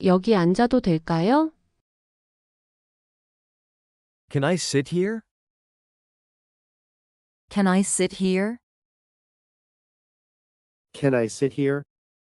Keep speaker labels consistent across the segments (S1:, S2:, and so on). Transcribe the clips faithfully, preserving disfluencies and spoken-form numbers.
S1: 여기 앉아도 될까요?
S2: Can I sit here?
S3: Can I sit here?
S4: Can I sit here?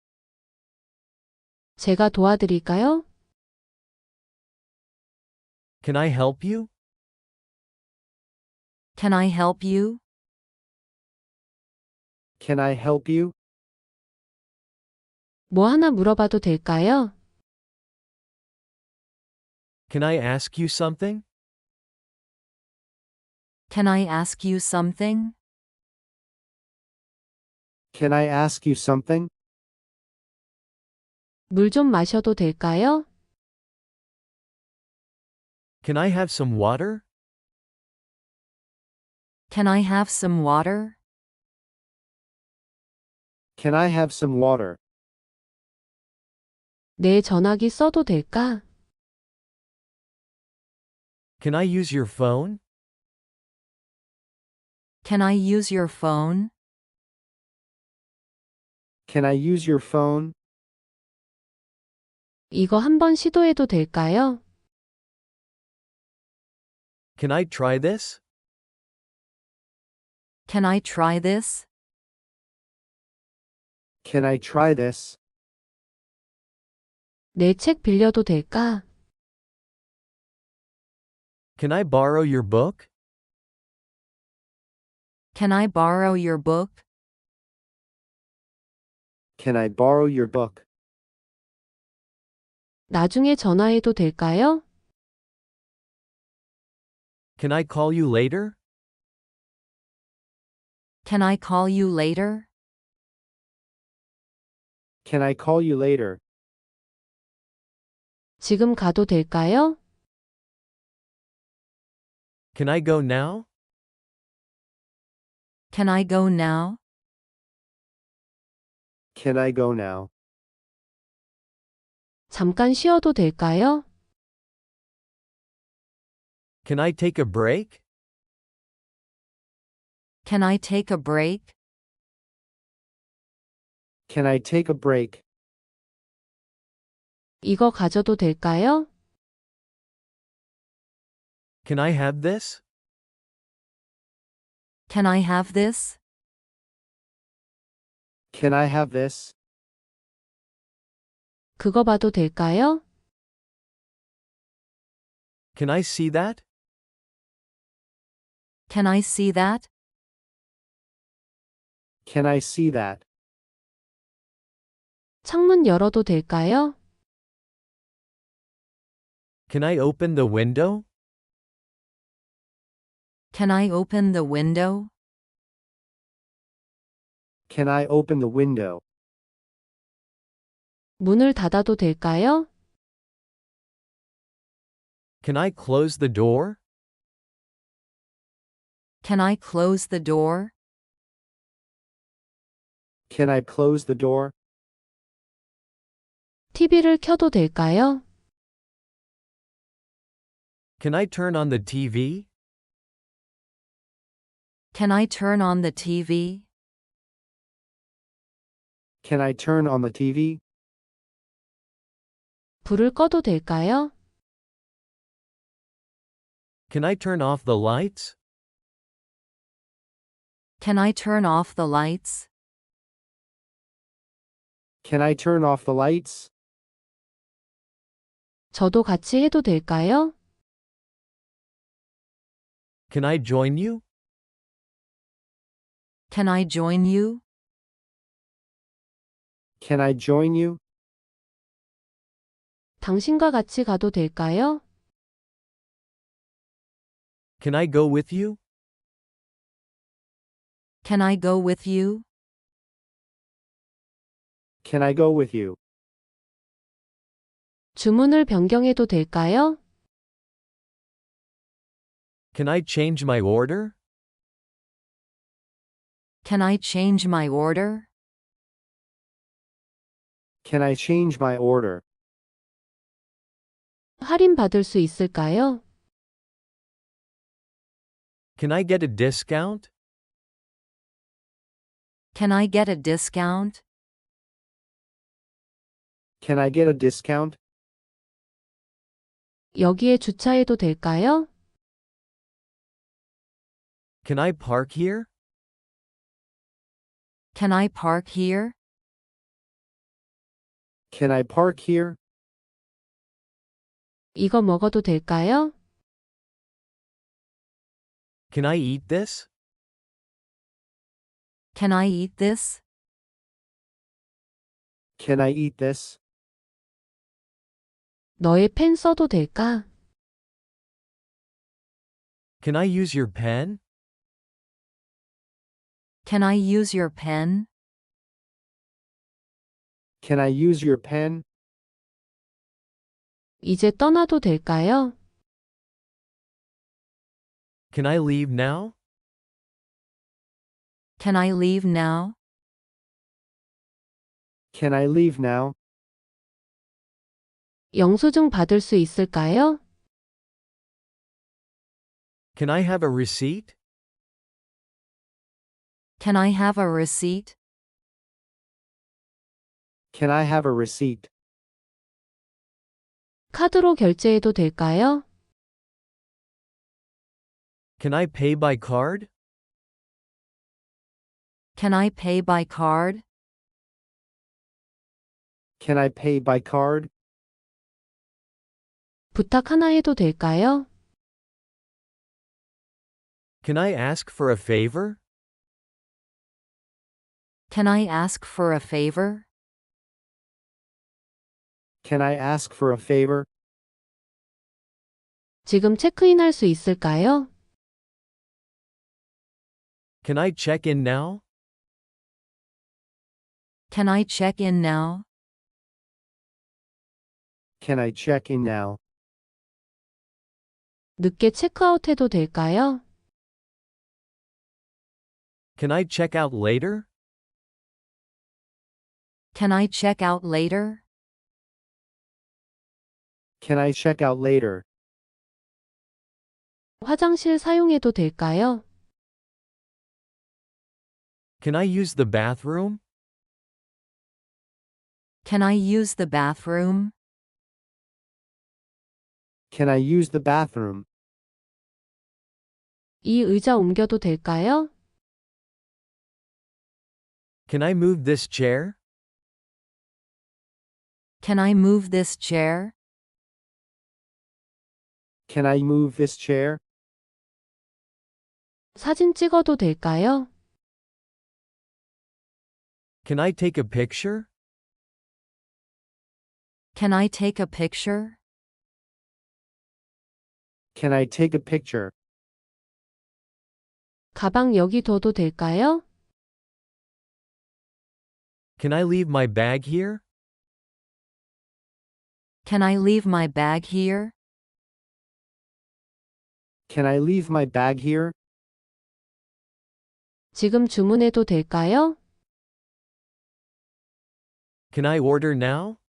S1: 제가 도와드릴까요?
S2: Can I help you?
S3: Can I help you?
S4: Can I help you?
S1: 뭐 하나 물어봐도 될까요?
S2: Can I ask you something?
S3: Can I ask you something?
S4: Can I ask you something?
S1: 물 좀 마셔도 될까요?
S2: Can I have some water?
S3: Can I have some water?
S4: Can I have some water?
S1: 내 전화기 써도 될까?
S2: Can I use your phone?
S3: Can I use your phone?
S4: Can I use your phone?
S1: 이거 한번 시도해도 될까요?
S2: Can I try this?
S3: Can I try this?
S4: Can I try this?
S1: 내 책 빌려도 될까?
S2: Can I borrow your book?
S3: Can I borrow your book?
S4: Can I borrow your book?
S1: 나중에 전화해도 될까요?
S2: Can I call you later?
S3: Can I call you later?
S4: Can I call you later?
S1: 지금 가도 될까요?
S2: Can I go now?
S3: Can I go now?
S4: Can I go now?
S1: 잠깐 쉬어도 될까요?
S2: Can I take a break?
S3: Can I take a break?
S4: Can I take a break?
S1: 이거 가져도 될까요?
S2: Can I have this?
S3: Can I have this?
S4: Can I have this?
S1: 그거 봐도 될까요?
S2: Can I see that?
S3: Can I see that?
S4: Can I see that?
S1: 창문 열어도 될까요?
S2: Can I open the window?
S3: Can I open the window?
S4: Can I open the window?
S1: 문을 닫아도 될까요?
S2: Can I close the door?
S3: Can I close the door?
S4: Can I close the door?
S1: 티비를 켜도 될까요?
S2: Can I turn on the T V?
S3: Can I turn on the T V?
S4: Can I turn on the T V?
S1: 불을 꺼도 될까요?
S2: Can I turn off the lights?
S3: Can I turn off the lights?
S4: Can I turn off the lights?
S1: 저도 같이 해도 될까요?
S2: Can I join you?
S3: Can I join you?
S4: Can I join you?
S1: 당신과 같이 가도 될까요?
S2: Can I go with you?
S3: Can I go with you?
S4: Can I go with you?
S1: 주문을 변경해도 될까요?
S2: Can I change my order?
S3: Can I change my order?
S4: Can I change my order?
S1: 할인 받을 수 있을까요?
S2: Can I get a discount?
S3: Can I get a discount?
S4: Can I get a discount?
S1: 여기에 주차해도 될까요?
S2: Can I park here?
S3: Can I park here?
S4: Can I park here?
S1: 이거 먹어도 될까요?
S2: Can I eat this?
S3: Can I eat this?
S4: Can I eat this?
S1: 너의 펜 써도 될까?
S2: Can I use your pen?
S3: Can I use your pen?
S4: Can I use your pen?
S1: 이제 떠나도 될까요?
S2: Can I leave now?
S3: Can I leave now?
S4: Can I leave now?
S1: 영수증 받을 수 있을까요?
S2: Can I have a receipt?
S3: Can I have a receipt?
S4: Can I have a receipt?
S1: 카드로 결제해도 될까요?
S2: Can I pay by card?
S3: Can I pay by card?
S4: Can I pay by card?
S1: 부탁 하나 해도 될까요?
S2: Can I ask for a favor?
S3: Can I ask for a favor?
S4: Can I ask for a favor?
S1: 지금 체크인할 수 있을까요?
S2: Can I check in now?
S3: Can I check in now?
S4: Can I check in now?
S1: 늦게 체크아웃해도 될까요?
S2: Can I check out later?
S3: Can I check out later?
S4: Can I check out later?
S1: 화장실 사용해도 될까요?
S2: Can I use the bathroom?
S3: Can I use the bathroom?
S4: Can I use the bathroom?
S1: 이 의자 옮겨도 될까요?
S2: Can I move this chair?
S3: Can I move this chair?
S4: Can I move this chair?
S1: 사진 찍어도 될까요?
S2: Can I take a picture?
S3: Can I take a picture?
S4: Can I take a picture?
S1: 가방 여기 둬도 될까요?
S2: Can I leave my bag here?
S3: Can I leave my bag here?
S4: Can I leave my bag here?
S1: 지금 주문해도 될까요?
S2: Can I order now?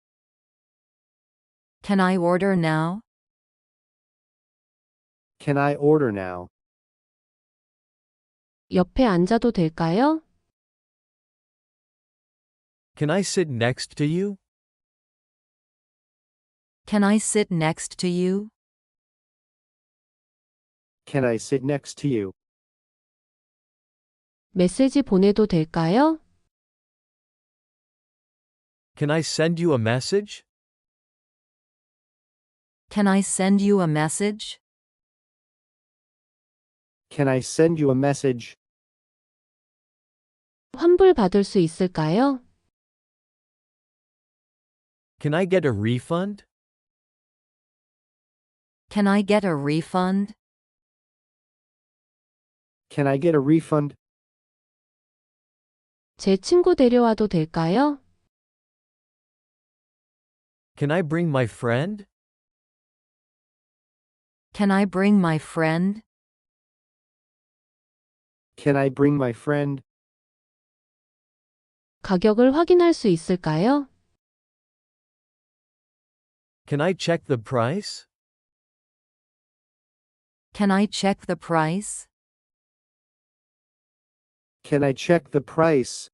S3: Can I order now?
S4: Can I order now?
S1: 옆에 앉아도 될까요?
S2: Can I sit next to you?
S3: Can I sit next to you?
S4: Can I sit next to you?
S1: 메시지 보내도 될까요?
S2: Can I send you a message?
S3: Can I send you a message?
S4: Can I send you a message?
S1: 환불 받을 수 있을까요?
S2: Can I get a refund?
S3: Can I get a refund?
S4: Can I get a refund?
S1: 제 친구 데려와도 될까요?
S2: Can I bring my friend?
S3: Can I bring my friend?
S4: Can I bring my friend?
S1: 가격을 확인할 수 있을까요?
S2: Can I check the price?
S3: Can I check the price?
S4: Can I check the price?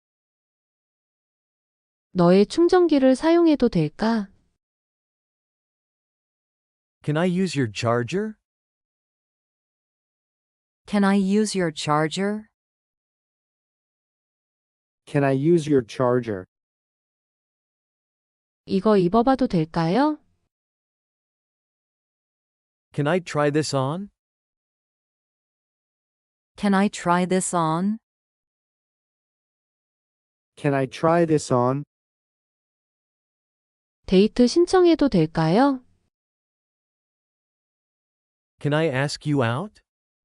S1: 너의 충전기를 사용해도 될까?
S2: Can I use your charger?
S3: Can I use your charger?
S4: Can I use your charger?
S1: 이거 입어봐도 될까요?
S2: Can I try this on?
S3: Can I try this on?
S4: Can I try this on?
S1: 데이트 신청해도 될까요?
S2: Can I ask you out?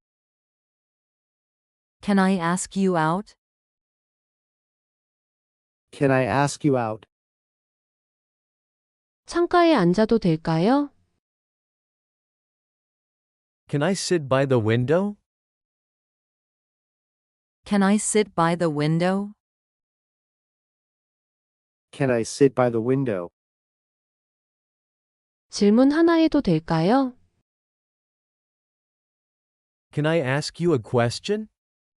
S3: Can I ask you out?
S4: Can I ask you out?
S1: 창가에 앉아도 될까요?
S2: Can I sit by the window?
S3: Can I sit by the window?
S4: Can I sit by the window?
S1: 질문 하나 해도 될까요?
S2: Can I ask you a question?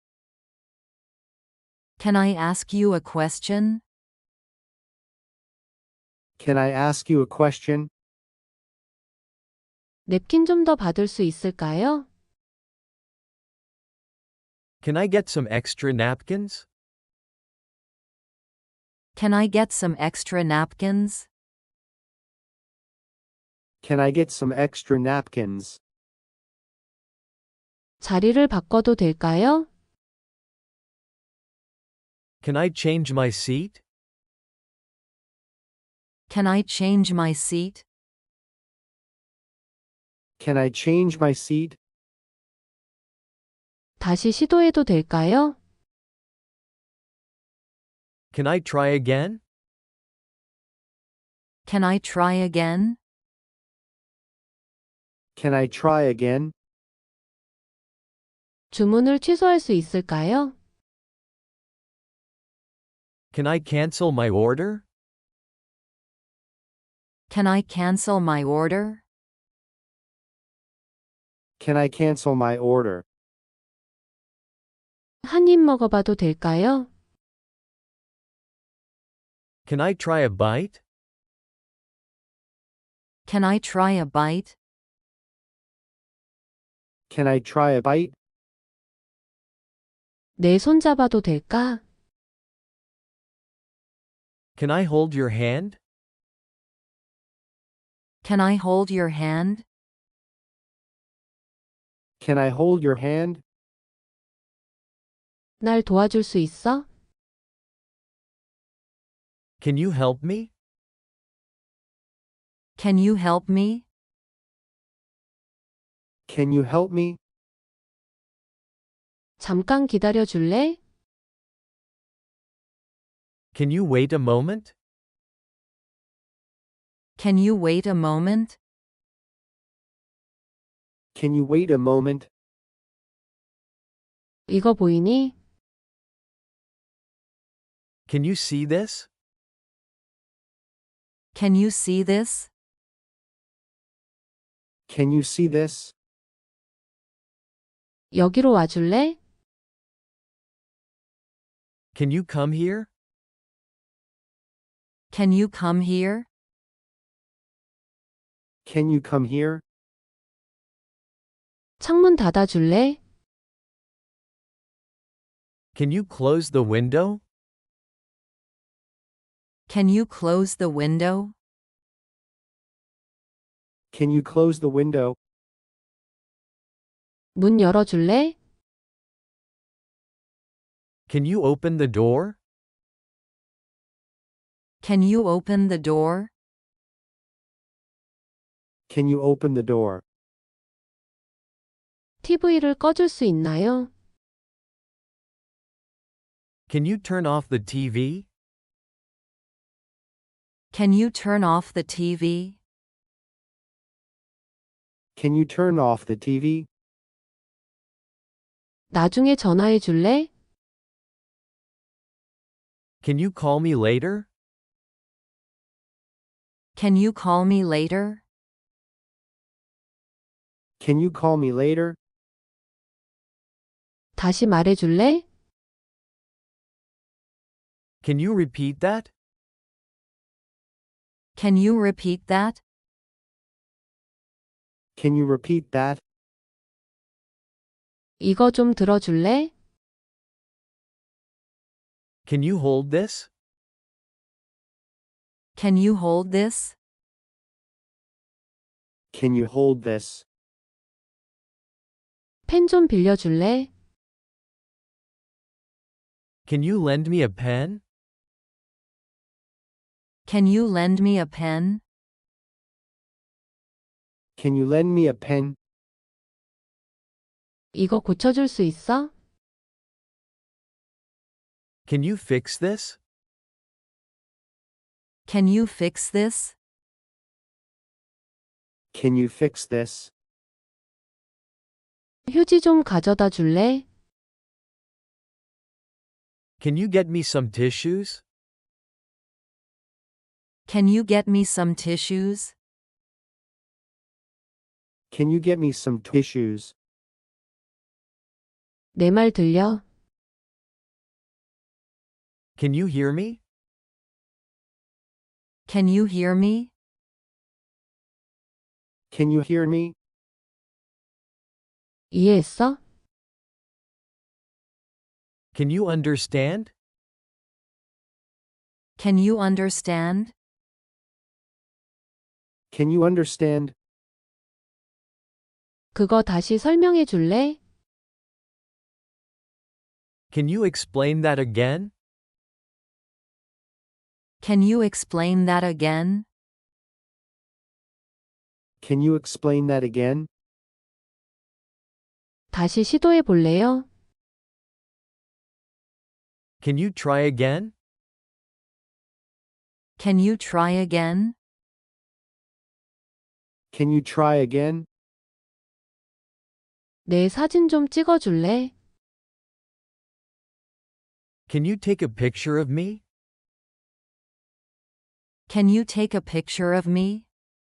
S3: Can I ask you a question?
S4: Can I ask you a question?
S1: 냅킨 좀 더 받을 수 있을까요?
S2: Can I get some extra napkins?
S3: Can I get some extra napkins?
S4: Can I get some extra napkins?
S1: 자리를 바꿔도 될까요?
S2: Can I change my seat?
S3: Can I change my seat?
S4: Can I change my seat?
S1: 다시 시도해도 될까요?
S2: Can I try again?
S3: Can I try again?
S4: Can I try again?
S1: 주문을 취소할 수 있을까요?
S2: Can I cancel my order?
S3: Can I cancel my order?
S4: Can I cancel my order?
S1: 한 입 먹어봐도 될까요?
S2: Can I try a bite?
S3: Can I try a bite?
S4: Can I try a bite?
S1: 내 손 잡아도 될까?
S2: Can I hold your hand?
S3: Can I hold your hand?
S4: Can I hold your hand?
S1: 날 도와줄 수 있어?
S2: Can you help me?
S3: Can you help me?
S4: Can you help me?
S1: 잠깐 기다려 줄래?
S2: Can you wait a moment?
S3: Can you wait a moment?
S4: Can you wait a moment?
S1: 이거 보이니?
S2: Can you see this?
S3: Can you see this?
S4: Can you see this?
S1: 여기로 와줄래?
S2: Can you come here?
S3: Can you come here?
S4: Can you come here?
S1: 창문 닫아줄래?
S2: Can you close the window?
S3: Can you close the window?
S4: Can you close the window?
S1: 문 열어줄래?
S2: Can you open the door?
S3: Can you open the door?
S4: Can you open the door?
S1: 티비를 꺼줄 수 있나요?
S2: Can you turn off the T V?
S3: Can you turn off the T V?
S4: Can you turn off the T V?
S1: 나중에 전화해 줄래?
S2: Can you call me later?
S3: Can you call me later?
S4: Can you call me later?
S1: 다시 말해 줄래?
S2: Can you repeat that?
S3: Can you repeat that?
S4: Can you repeat that?
S1: 이거 좀 들어줄래?
S2: Can you hold this?
S3: Can you hold this?
S4: Can you hold this?
S1: 펜 좀 빌려줄래?
S2: Can you lend me a pen?
S3: Can you lend me a pen?
S4: Can you lend me a pen?
S1: 이거 고쳐줄 수 있어?
S2: Can you fix this?
S3: Can you fix this?
S4: Can you fix this?
S1: 휴지 좀 가져다 줄래?
S2: Can you get me some tissues?
S3: Can you get me some tissues?
S4: Can you get me some tissues?
S1: 내 말 들려?
S2: Can you hear me?
S3: Can you hear me?
S4: Can you hear me?
S1: 이해했어?
S2: Can you understand?
S3: Can you understand?
S4: Can you understand?
S1: 그거 다시 설명해 줄래?
S2: Can you explain that again?
S3: Can you explain that again?
S4: Can you explain that again?
S1: 다시 시도해 볼래요?
S2: Can you try again?
S3: Can you try again?
S4: Can you try again?
S1: 내 사진 좀 찍어 줄래?
S2: Can you take a picture of me?
S3: Can you take a picture of me?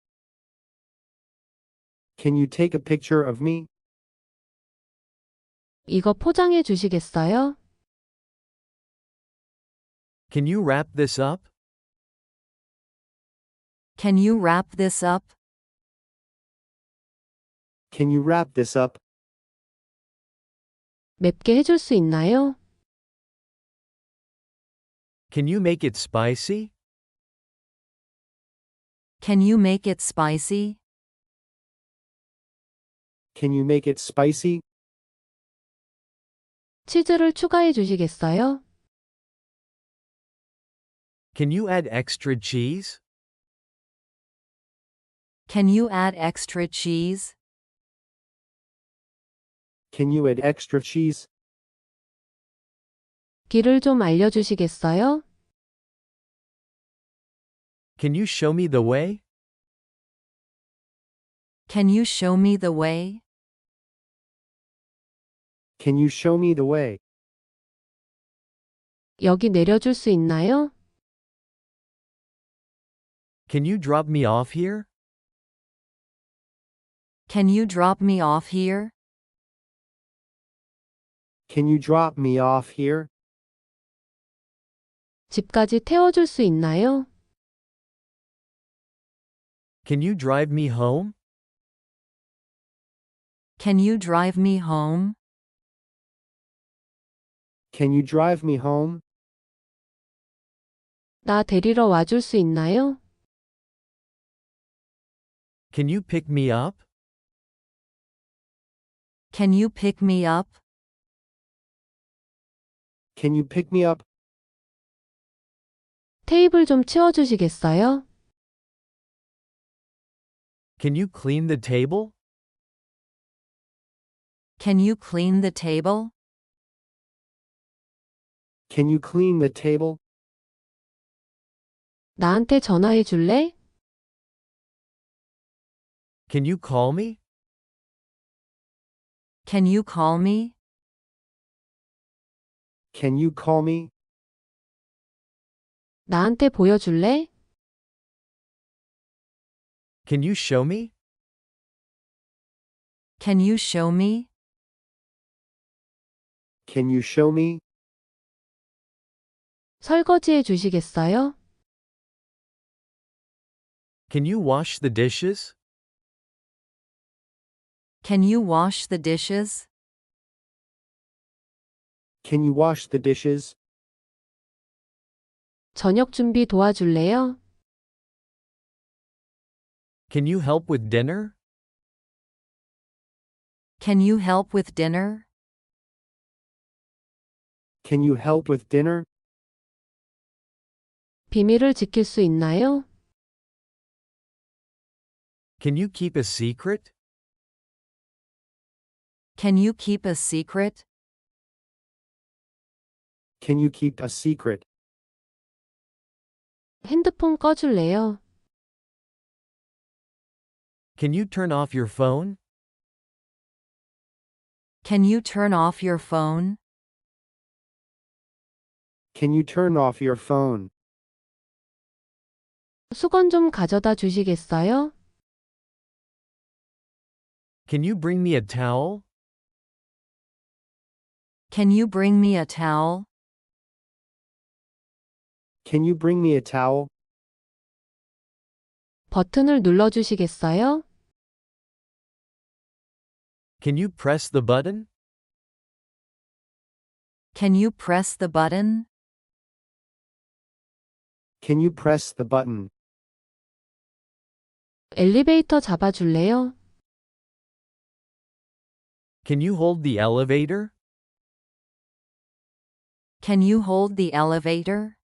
S4: Can you take a picture of me?
S1: 이거 포장해 주시겠어요?
S2: Can you wrap this up?
S3: Can you wrap this up?
S4: Can you wrap this up?
S1: 맵게 해줄 수 있나요?
S2: Can you make it spicy?
S3: Can you make it spicy?
S4: Can you make it spicy?
S1: 치즈를 추가해 주시겠어요?
S2: Can you add extra cheese?
S3: Can you add extra cheese?
S4: Can you add extra cheese?
S1: 길을 좀 알려주시겠어요?
S2: Can you show me the way?
S3: Can you show me the way?
S4: Can you show me the way?
S1: 여기 내려줄 수 있나요?
S2: Can you drop me off here?
S3: Can you drop me off here?
S4: Can you drop me off here?
S1: 집까지 태워줄 수 있나요?
S2: Can you drive me home?
S3: Can you drive me home?
S4: Can you drive me home?
S1: 나 데리러 와줄 수 있나요?
S2: Can you pick me up?
S3: Can you pick me up?
S4: Can you pick me up?
S1: 테이블 좀 치워주시겠어요?
S2: Can you clean the table?
S3: Can you clean the table?
S4: Can you clean the table?
S1: 나한테 전화해 줄래?
S2: Can you call me?
S3: Can you call me?
S4: Can you call me?
S1: 나한테 보여줄래?
S2: Can you show me?
S3: Can you show me?
S4: Can you show me?
S1: 설거지해 주시겠어요?
S2: Can you wash the dishes?
S3: Can you wash the dishes?
S4: Can you wash the dishes?
S1: 저녁 준비 도와줄래요?
S2: Can you help with dinner?
S3: Can you help with dinner?
S4: Can you help with dinner?
S1: 비밀을 지킬 수 있나요?
S2: Can you keep a secret?
S3: Can you keep a secret?
S4: Can you keep a secret?
S1: 핸드폰 꺼줄래요?
S2: Can you turn off your phone?
S3: Can you turn off your phone?
S4: Can you turn off your phone?
S1: 수건 좀 가져다 주시겠어요?
S2: Can you bring me a towel?
S3: Can you bring me a towel?
S4: Can you bring me a towel?
S1: 버튼을 눌러주시겠어요?
S2: Can you press the button?
S3: Can you press the button?
S4: Can you press the button?
S1: 엘리베이터 잡아줄래요?
S2: Can you hold the elevator?
S3: Can you hold the elevator?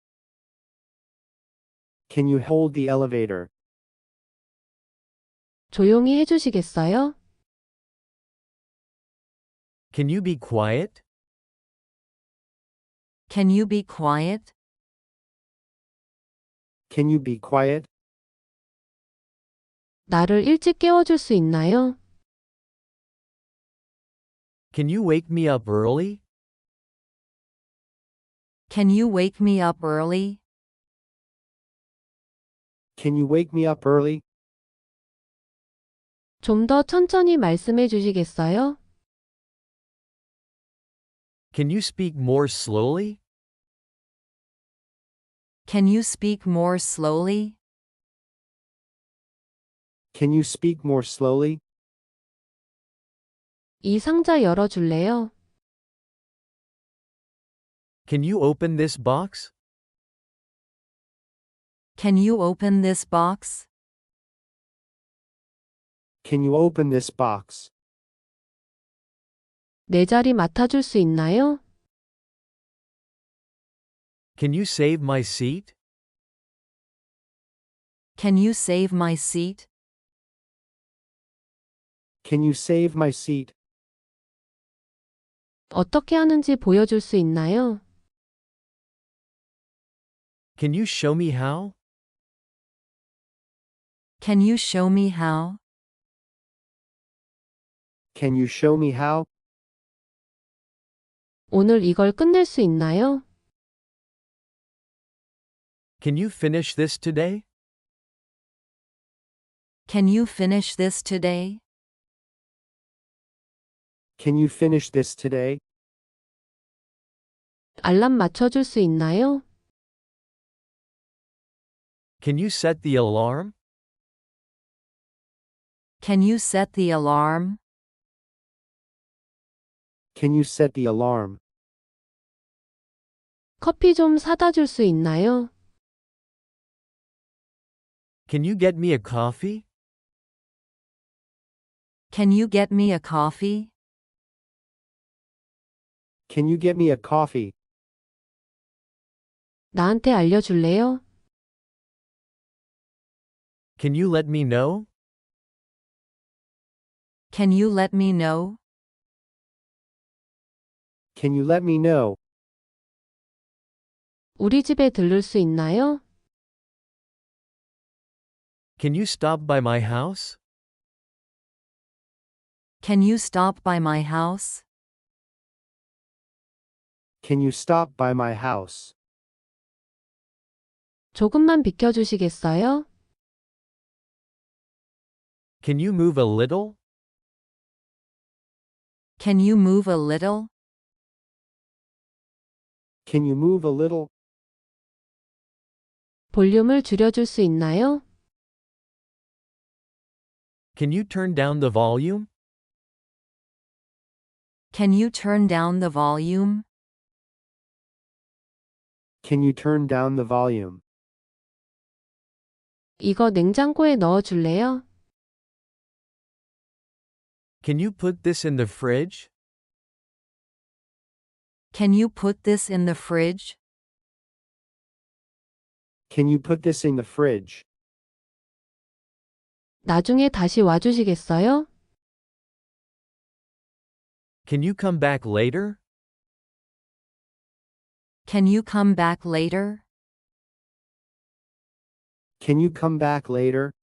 S4: Can you hold the elevator?
S1: 조용히 해주시겠어요?
S2: Can you be quiet?
S3: Can you be quiet?
S4: Can you be quiet?
S1: 나를 일찍 깨워줄 수 있나요?
S2: Can you wake me up early?
S3: Can you wake me up early?
S4: Can you wake me up early?
S1: 좀 더 천천히 말씀해 주시겠어요?
S2: Can you speak more slowly?
S3: Can you speak more slowly?
S4: Can you speak more slowly?
S1: 이 상자 열어줄래요?
S2: Can you open this box?
S3: Can you open this box?
S4: Can you open this box?
S1: 내 자리 맡아줄 수 있나요?
S2: Can you save my seat?
S3: Can you save my seat?
S4: Can you save my seat?
S1: 어떻게 하는지 보여줄 수 있나요?
S2: Can you show me how?
S3: Can you show me how?
S4: Can you show me how?
S1: 오늘 이걸 끝낼 수 있나요?
S2: Can you finish this today?
S3: Can you finish this today?
S4: Can you finish this today?
S1: 알람 맞춰줄 수 있나요?
S2: Can you set the alarm?
S3: Can you set the alarm?
S4: Can you set the alarm?
S1: 커피 좀 사다 줄 수 있나요?
S2: Can you get me a coffee?
S3: Can you get me a coffee?
S4: Can you get me a coffee?
S1: 나한테 알려줄래요?
S2: Can you let me know?
S3: Can you let me know?
S4: Can you let me know?
S1: 우리 집에 들를 수 있나요?
S2: Can you stop by my house?
S3: Can you stop by my house?
S4: Can you stop by my house?
S1: 조금만 비켜주시겠어요?
S2: Can you move a little?
S3: Can you move a little?
S4: Can you move a little?
S1: 볼륨을 줄여줄 수 있나요?
S2: Can you turn down the volume?
S3: Can you turn down the volume?
S4: Can you turn down the volume?
S1: 이거 냉장고에 넣어 줄래요?
S2: Can you put this in the fridge?
S3: Can you put this in the fridge?
S4: Can you put this in the fridge?
S1: 나중에 다시 와주시겠어요?
S2: Can you come back later?
S3: Can you come back later?
S4: Can you come back later?